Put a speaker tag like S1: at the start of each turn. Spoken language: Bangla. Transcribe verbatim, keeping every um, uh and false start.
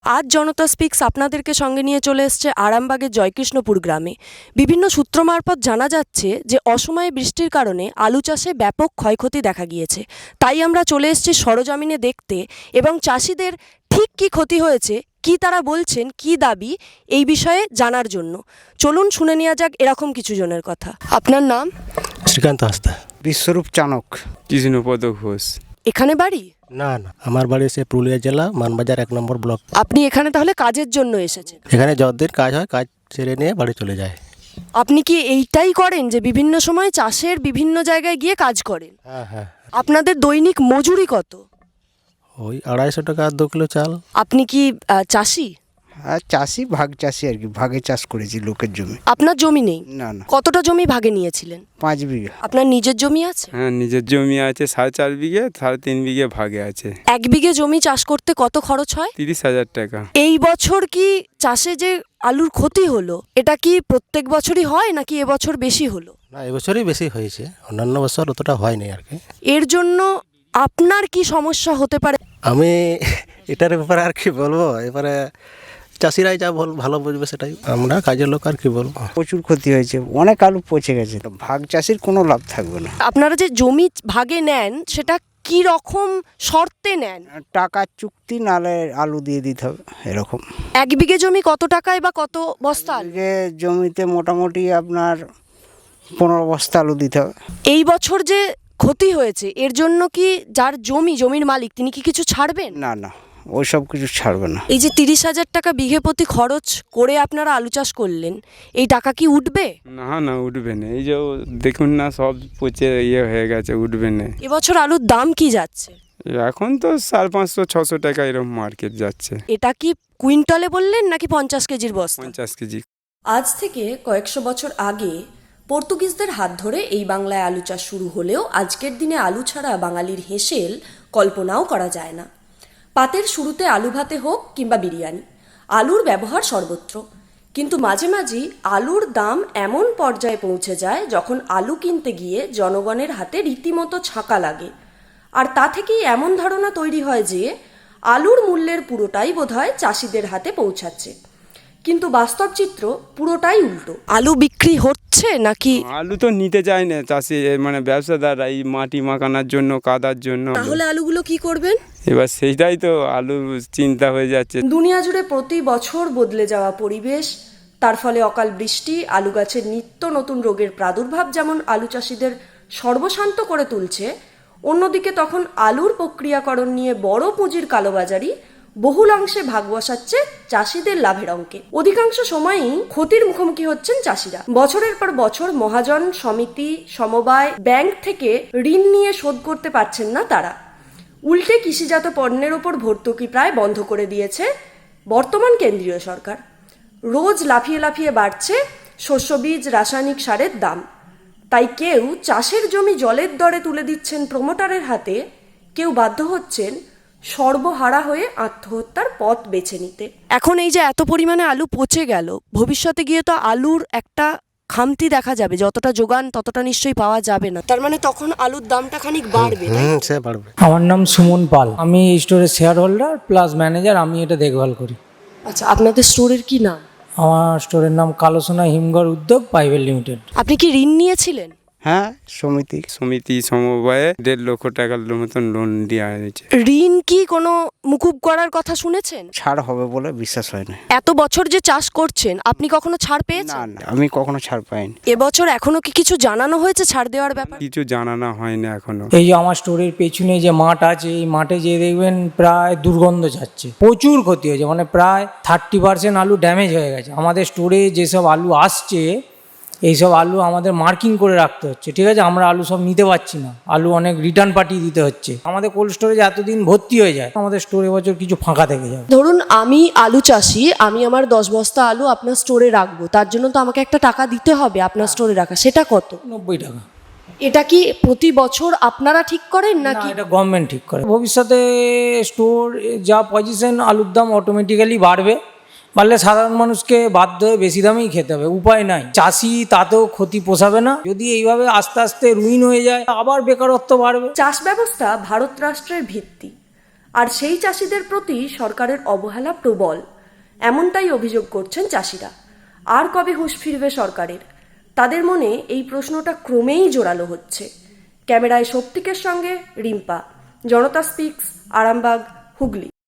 S1: আজ জনতা স্পিক্স আপনাদেরকে সঙ্গে নিয়ে চলে এসছে আরামবাগের জয়কৃষ্ণপুর গ্রামে। বিভিন্ন সূত্র মারফত জানা যাচ্ছে যে অসময়ে বৃষ্টির কারণে আলু চাষে ব্যাপক ক্ষয়ক্ষতি দেখা গিয়েছে। তাই আমরা চলে এসেছি সরজমিনে দেখতে এবং চাষিদের ঠিক কী ক্ষতি হয়েছে, কি তারা বলছেন, কি দাবি, এই বিষয়ে জানার জন্য চলুন শুনে নেওয়া যাক এরকম কিছু জনের কথা। আপনার নাম?
S2: শ্রীকান্ত হাসদা।
S3: বিশ্বরূপ চানক।
S4: কৃষ্ণপদ ঘোষ।
S1: এখানে বাড়ি?
S2: না না, আমার বাড়ি সে পুরুলিয়া জেলা মানবাজার এক নম্বর ব্লক।
S1: আপনি এখানে তাহলে কাজের জন্য এসেছেন?
S2: এখানে যতদিন কাজ হয় কাজ ছেড়ে নিয়ে বাড়ি চলে যায়।
S1: আপনি কি এইটাই করেন যে বিভিন্ন সময় চাষের বিভিন্ন জায়গায় গিয়ে কাজ করেন?
S2: হ্যাঁ হ্যাঁ।
S1: আপনাদের দৈনিক মজুরি কত?
S2: ওই আড়াইশো টাকা দু কিলো চাল।
S1: আপনি কি আহ, চাষি?
S3: আর চাষি, ভাগ চাষি আর কি, ভাগে চাষ করেছি লোকের জমি।
S1: আপনার জমি নেই?
S3: না না,
S1: কতটা জমি ভাগে নিয়েছিলেন?
S3: পাঁচ বিঘা।
S1: আপনার নিজের জমি আছে?
S4: হ্যাঁ, নিজের জমি আছে সাড়ে চার বিঘে, সাড়ে তিন বিঘে ভাগে আছে।
S1: এক বিঘে জমি চাষ করতে কত খরচ হয়?
S4: তিরিশ হাজার টাকা।
S1: এই বছর কি চাষে যে আলুর ক্ষতি হলো, এটা কি প্রত্যেক বছরই হয় নাকি এবছর বেশি হলো?
S2: না, এবছরই বেশি হয়েছে, অন্যান্য বছর অতটা হয়নি আর কি।
S1: এর জন্য আপনার কি সমস্যা হতে পারে?
S2: আমি এটার ব্যাপারে আর কি বলবো, এবারে চাষিরাই যা বল ভালো বুঝবে সেটাই, আমরা কাজের লোক আর কি বলবো।
S3: প্রচুর ক্ষতি হয়েছে, অনেক আলু পচে গেছে। ভাগ চাষির কোনো লাভ থাকবে না।
S1: আপনারা যে জমি ভাগে নেন সেটা কি রকম শর্তে নেন?
S3: টাকা চুক্তি, নালে আলু দিয়ে দিতে হবে এরকম।
S1: এক বিঘে জমি কত টাকায় বা কত বস্তা আলু?
S3: বিঘে জমিতে মোটামুটি আপনার পনেরো বস্তা আলু দিতে হবে।
S1: এই বছর যে ক্ষতি হয়েছে এর জন্য কি যার জমি, জমির মালিক, তিনি কি কিছু ছাড়বেন?
S3: না না, ওই সব কিছু ছাড়বে না।
S1: এই যে তিরিশ হাজার টাকা বিঘে প্রতি খরচ করে আপনারা আলু চাষ করলেন, এই টাকা কি উঠবে?
S4: না না, উঠবে না। এই যে দেখুন না, সব পচে ইয়ে হয়ে গেছে, উঠবে না।
S1: এবছর আলুর দাম কি যাচ্ছে?
S4: এখন তো সাড়ে পাঁচশো ছশো টাকা এরকম মার্কেট যাচ্ছে।
S1: এটা কি কুইন্টালে বললেন নাকি পঞ্চাশ কেজির বস্তা?
S4: পঞ্চাশ কেজি।
S1: আজ থেকে কয়েকশো বছর আগে পর্তুগিজদের হাত ধরে এই বাংলায় আলু চাষ শুরু হলেও আজকের দিনে আলু ছাড়া বাঙালির হেসেল কল্পনাও করা যায় না। পাতের শুরুতে আলু ভাতে হোক কিংবা বিরিয়ানি, আলুর ব্যবহার সর্বত্র। কিন্তু মাঝে মাঝেই আলুর দাম এমন পর্যায়ে পৌঁছে যায় যখন আলু কিনতে গিয়ে জনগণের হাতে রীতিমতো ছাঁকা লাগে। আর তা থেকেই এমন ধারণা তৈরি হয় যে আলুর মূল্যের পুরোটাই বোধহয় চাষিদের হাতে পৌঁছাচ্ছে। কিন্তু বাস্তব চিত্র পুরোটাই উল্টো। আলু বিক্রি হচ্ছে নাকি?
S4: আলু তো নিতে চায় না চাষি, মানে ব্যবসাদাররা, এই মাটি মাখানোর জন্য, কাদার জন্য।
S1: তাহলে আলুগুলো কি করবেন?
S4: এবার সেইটাই তো আলু চিন্তা হয়ে যাচ্ছে।
S1: দুনিয়া জুড়ে প্রতি বছর বদলে যাওয়া পরিবেশ, তার ফলে অকাল বৃষ্টি, আলু গাছের নিত্য নতুন রোগের প্রাদুর্ভাব যেমন আলু চাষিদের সর্বশান্ত করে তুলছে, অন্যদিকে তখন আলুর প্রক্রিয়াকরণ নিয়ে বড় পুঁজির কালোবাজারি বহুল অংশে ভাগ বসাচ্ছে চাষিদের লাভের অঙ্কে। অধিকাংশ সময়ই ক্ষতির মুখোমুখি হচ্ছেন চাষিরা। বছরের পর বছর মহাজন, সমিতি, সমবায়, ব্যাংক থেকে ঋণ নিয়ে শোধ করতে পারছেন না তারা। উল্টে কৃষিজাত পণ্যের ওপর ভর্তুকি প্রায় বন্ধ করে দিয়েছে বর্তমান কেন্দ্রীয় সরকার। রোজ লাফিয়ে লাফিয়ে বাড়ছে শস্য বীজ, রাসায়নিক সারের দাম। তাই কেউ চাষের জমি জলের দরে তুলে দিচ্ছেন প্রমোটারের হাতে, কেউ বাধ্য হচ্ছেন সর্বহারা হয়ে আত্মহত্যার পথ বেছে নিতে। এখন এই যে এত পরিমাণে আলু পচে গেল, ভবিষ্যতে গিয়ে তো আলুর একটা খামতি দেখা যাবে, যতটা যোগান ততটা নিশ্চয়ই পাওয়া যাবে না। তার মানে তখন আলুর দামটা খানিক বাড়বে।
S2: হুম, সে বাড়বে।
S5: আমার নাম সুমন পাল, আমি এই স্টোরের শেয়ার হোল্ডার প্লাস ম্যানেজার, আমি এটা দেখভাল করি।
S1: আচ্ছা, আপনাদের স্টোরের কি নাম?
S5: আমার স্টোরের নাম কালোসোনা হিমঘর উদ্যোগ প্রাইভেট লিমিটেড।
S1: আপনি কি ঋণ নিয়েছিলেন?
S3: হ্যাঁ, সমিতি।
S4: সমিতি সমবায়ে দেড় লক্ষ টাকার মতন লোন দেওয়া হয়েছে।
S1: ঋণ কি কোনো মুকুব করার কথা শুনেছেন?
S3: ছাড় হবে বলে বিশ্বাস হয় না।
S1: এত বছর যে চাষ করছেন, আপনি কখনো ছাড়
S3: না
S1: পেয়েছেন?
S3: না, আমি কখনো ছাড় পাইনি।
S1: এবছর এখনো কি কিছু জানানো হয়েছে ছাড় দেওয়ার ব্যাপারে?
S4: কিছু জানানো হয় না এখনো।
S5: এই যে আমার স্টোরের পেছনে যে মাঠ আছে, এই মাঠে যে দেখবেন প্রায় দুর্গন্ধ যাচ্ছে, প্রচুর ক্ষতি হয়েছে, মানে প্রায় থার্টি পার্সেন্ট আলু ড্যামেজ হয়ে গেছে। আমাদের স্টোরে যেসব আলু আসছে, এইসব আলু আমাদের মার্কিং করে রাখতে হচ্ছে, ঠিক আছে? আমরা আলু সব নিতে পারছি না, আলু অনেক রিটার্ন পাঠিয়ে দিতে হচ্ছে। আমাদের কোল্ড স্টোরেজ এতদিন ভর্তি হয়ে যায়, আমাদের স্টোরে বছর কিছু ফাঁকা থেকে যাবে।
S1: ধরুন আমি আলু চাষি, আমি আমার দশ বস্তা আলু আপনার স্টোরে রাখবো, তার জন্য তো আমাকে একটা টাকা দিতে হবে আপনার স্টোরে রাখা, সেটা কত?
S5: নব্বই টাকা।
S1: এটা কি প্রতি বছর আপনারা ঠিক করেন
S5: না,
S1: নাকি?
S5: এটা গভর্নমেন্ট ঠিক করে। ভবিষ্যতে স্টোর যা পজিশন, আলুর দাম অটোমেটিক্যালি বাড়বে, বাড়লে সাধারণ মানুষকে বাধ্য হয়ে বেশি দামেই খেতে হবে, উপায় নাই। চাষি তাতেও ক্ষতি পোষাবে না, যদি এইভাবে আস্তে আস্তে রুইন হয়ে যায়, আবার বেকারত্ব বাড়বে।
S1: চাষ ব্যবস্থা ভারত রাষ্ট্রের ভিত্তি। আর সেই চাষিদের প্রতি সরকারের অবহেলা প্রবল, এমনটাই অভিযোগ করছেন চাষিরা। আর কবে হুঁশ ফিরবে সরকারের? তাদের মনে এই প্রশ্নটা ক্রমেই জোরালো হচ্ছে। ক্যামেরায় শক্তিকের সঙ্গে রিম্পা, জনতা স্পিক্স, আরামবাগ, হুগলি।